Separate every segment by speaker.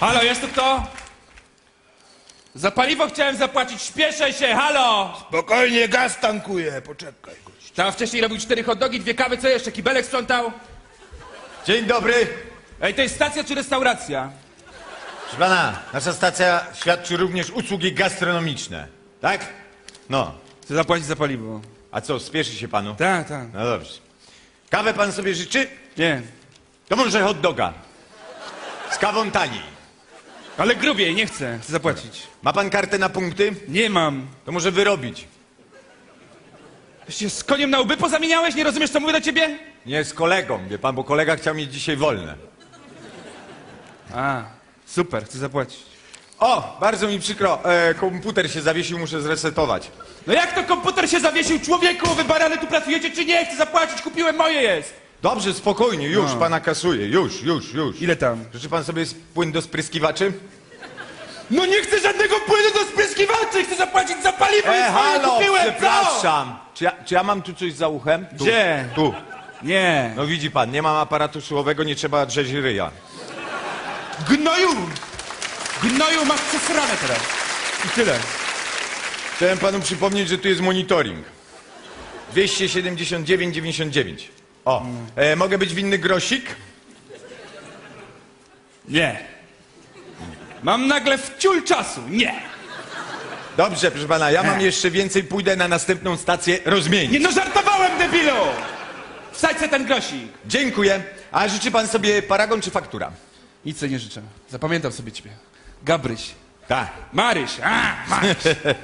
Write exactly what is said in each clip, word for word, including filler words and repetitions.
Speaker 1: Halo, jest tu kto? Za paliwo chciałem zapłacić, śpieszę się, halo!
Speaker 2: Spokojnie, gaz tankuje, poczekaj. Gość.
Speaker 1: Tam wcześniej robił cztery hot dogi, dwie kawy, co jeszcze? Kibelek sprzątał?
Speaker 3: Dzień dobry.
Speaker 1: Ej, to jest stacja czy restauracja?
Speaker 3: Proszę pana, nasza stacja świadczy również usługi gastronomiczne. Tak? No.
Speaker 1: Chcę zapłacić za paliwo.
Speaker 3: A co, spieszy się panu?
Speaker 1: Tak, tak.
Speaker 3: No dobrze. Kawę pan sobie życzy?
Speaker 1: Nie.
Speaker 3: To może hot doga. Z kawą taniej.
Speaker 1: Ale grubiej, nie chcę. Chcę zapłacić.
Speaker 3: Ma pan kartę na punkty?
Speaker 1: Nie mam.
Speaker 3: To może wyrobić.
Speaker 1: Się z koniem na łby pozamieniałeś? Nie rozumiesz, co mówię do ciebie?
Speaker 3: Nie z kolegą, wie pan, bo kolega chciał mieć dzisiaj wolne.
Speaker 1: A, super, chcę zapłacić.
Speaker 3: O, bardzo mi przykro, e, komputer się zawiesił, muszę zresetować.
Speaker 1: No jak to komputer się zawiesił? Człowieku, wy barany tu pracujecie czy nie? Chcę zapłacić, kupiłem, moje jest.
Speaker 3: Dobrze, spokojnie, już
Speaker 1: No.
Speaker 3: pana kasuję, już, już, już.
Speaker 1: Ile tam?
Speaker 3: Życzy pan sobie płyn do spryskiwaczy?
Speaker 1: No nie chcę żadnego płynu do spryskiwaczy, chcę zapłacić za paliwo i
Speaker 3: E,
Speaker 1: swoje
Speaker 3: halo,
Speaker 1: kupiłem,
Speaker 3: przepraszam. Czy ja, czy ja mam tu coś za uchem? Tu,
Speaker 1: Gdzie?
Speaker 3: Tu.
Speaker 1: co? Nie.
Speaker 3: No widzi pan, nie mam aparatu słuchowego, nie trzeba drzeć ryja.
Speaker 1: Gnoju! Gnoju, masz przesrane teraz. I tyle.
Speaker 3: Chciałem panu przypomnieć, że tu jest monitoring. dwieście siedemdziesiąt dziewięć dziewięćdziesiąt dziewięć. O, e, mogę być winny grosik?
Speaker 1: Nie. Mam nagle wciul czasu. Nie.
Speaker 3: Dobrze, proszę pana, ja mam
Speaker 1: E.
Speaker 3: jeszcze więcej, pójdę na następną stację rozmienić.
Speaker 1: Nie no, żartowałem, debilu! Wsadź se ten grosik.
Speaker 3: Dziękuję. A życzy pan sobie paragon czy faktura?
Speaker 1: Nic sobie nie życzę. Zapamiętam sobie ciebie. Gabryś.
Speaker 3: Tak.
Speaker 1: Maryś. A, Maryś.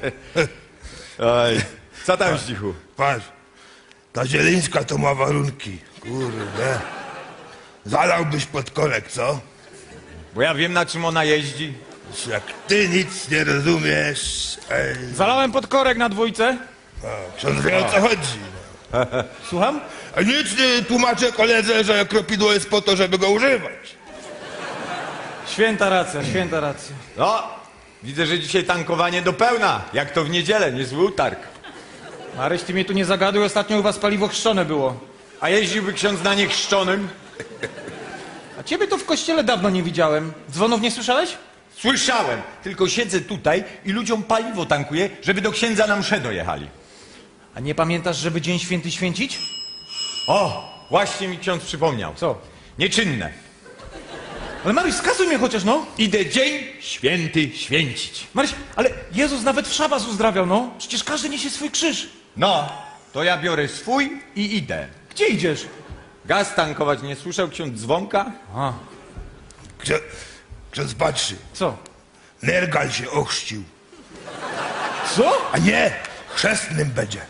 Speaker 3: Oj, co tam, Zdzichu?
Speaker 2: Patrz, ta Zielińska to ma warunki. Kurde. Zalałbyś pod korek, co?
Speaker 3: Bo ja wiem, na czym ona jeździ.
Speaker 2: Jak ty nic nie rozumiesz. Ej,
Speaker 4: Zalałem pod korek na dwójce.
Speaker 2: a, ksiądz wie, o co chodzi.
Speaker 4: Słucham?
Speaker 2: A nic nie tłumaczę koledze, że kropidło jest po to, żeby go używać.
Speaker 4: Święta racja, święta racja.
Speaker 3: No, widzę, że dzisiaj tankowanie do pełna. Jak to w niedzielę, niezły utarg.
Speaker 4: Maryś, ty mnie tu nie zagaduj, ostatnio u was paliwo chrzczone było.
Speaker 3: A jeździłby ksiądz na niechrzczonym?
Speaker 4: A ciebie to w kościele dawno nie widziałem. Dzwonów nie słyszałeś?
Speaker 3: Słyszałem, tylko siedzę tutaj i ludziom paliwo tankuję, żeby do księdza na mszę dojechali.
Speaker 4: A nie pamiętasz, żeby Dzień Święty święcić?
Speaker 3: O, właśnie mi ksiądz przypomniał.
Speaker 4: Co?
Speaker 3: Nieczynne.
Speaker 4: Ale Maryś, skasuj mnie chociaż, no.
Speaker 3: Idę dzień święty święcić.
Speaker 4: Maryś, ale Jezus nawet w szabas uzdrawiał, no. Przecież każdy niesie swój krzyż.
Speaker 3: No, to ja biorę swój i idę.
Speaker 4: Gdzie idziesz?
Speaker 3: Gaz tankować, nie słyszał ksiądz dzwonka?
Speaker 4: A,
Speaker 2: Ksiądz, ksiądz patrzy.
Speaker 4: co?
Speaker 2: Nergal się ochrzcił.
Speaker 4: Co?
Speaker 2: A nie, chrzestnym będzie.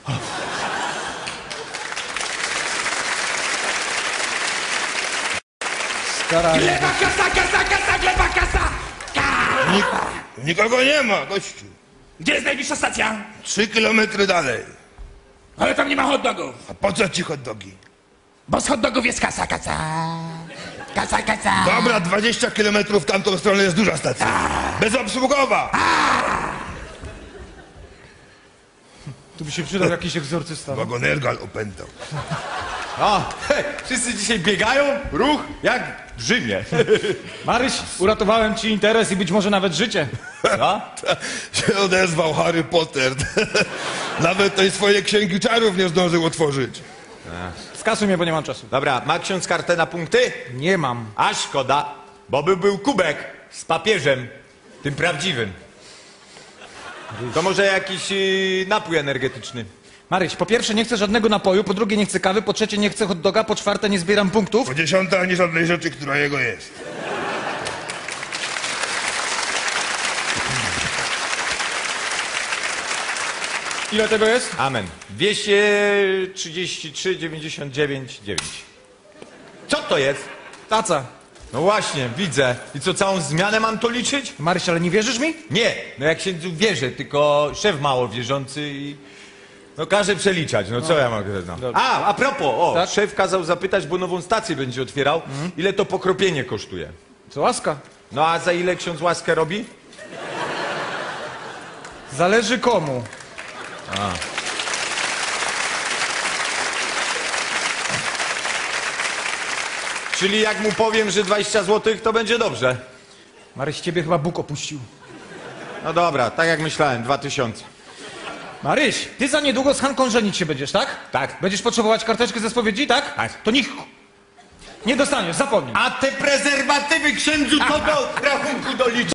Speaker 4: Staraj.
Speaker 1: Gleba, kasa, kasa, kasa, gleba, kasa!
Speaker 2: Nik nikogo nie ma, gościu.
Speaker 1: Gdzie jest najbliższa stacja?
Speaker 2: Trzy kilometry dalej.
Speaker 1: Ale tam nie ma hot dogów.
Speaker 2: A po co ci hot dogi?
Speaker 1: Bo z hot dogów jest kasa, kasa. Kasa, kasa.
Speaker 2: Dobra, dwadzieścia kilometrów w tamtą stronę jest duża stacja. Bezobsługowa.
Speaker 4: Tu by się przydał jakiś egzorcysta.
Speaker 2: Bo go Nergal opętał.
Speaker 3: O, he, wszyscy dzisiaj biegają, ruch jak w Rzymie.
Speaker 4: Maryś, uratowałem ci interes i być może nawet życie.
Speaker 3: Co?
Speaker 2: Się odezwał Harry Potter. Nawet tej swojej księgi czarów nie zdążył otworzyć.
Speaker 4: Skasuj mnie, bo nie mam czasu.
Speaker 3: Dobra, ma ksiądz kartę na punkty?
Speaker 4: Nie mam.
Speaker 3: A szkoda, bo by był kubek z papieżem, tym prawdziwym. To może jakiś yy, napój energetyczny.
Speaker 4: Maryś, po pierwsze nie chcę żadnego napoju, po drugie nie chcę kawy, po trzecie nie chcę hot doga, po czwarte nie zbieram punktów.
Speaker 2: Po dziesiąte ani żadnej rzeczy, która jego jest.
Speaker 4: Ile tego jest?
Speaker 3: Amen. dwieście trzydzieści trzy dziewięćdziesiąt dziewięć dziewięć. Co to jest?
Speaker 4: Taca.
Speaker 3: No właśnie, widzę. I co, całą zmianę mam to liczyć?
Speaker 4: Maryś, ale nie wierzysz mi?
Speaker 3: Nie, no jak się tu wierzę, tylko szef mało wierzący i... No każe przeliczać, no co ja mogę... No. A, a propos, o,
Speaker 4: Tak?
Speaker 3: szef kazał zapytać, bo nową stację będzie otwierał, ile to pokropienie kosztuje.
Speaker 4: Co łaska.
Speaker 3: No a za ile ksiądz łaskę robi?
Speaker 4: Zależy komu.
Speaker 3: Czyli jak mu powiem, że dwadzieścia złotych, to będzie dobrze.
Speaker 4: Maryś, ciebie chyba Bóg opuścił.
Speaker 3: No dobra, tak jak myślałem, dwa tysiące.
Speaker 4: Maryś, ty za niedługo z Hanką żenić się będziesz, tak?
Speaker 3: Tak.
Speaker 4: Będziesz potrzebować karteczki ze spowiedzi, tak?
Speaker 3: Tak.
Speaker 4: To niech... Nie dostaniesz, zapomnij.
Speaker 3: A te prezerwatywy księdzu to do rachunku doliczy.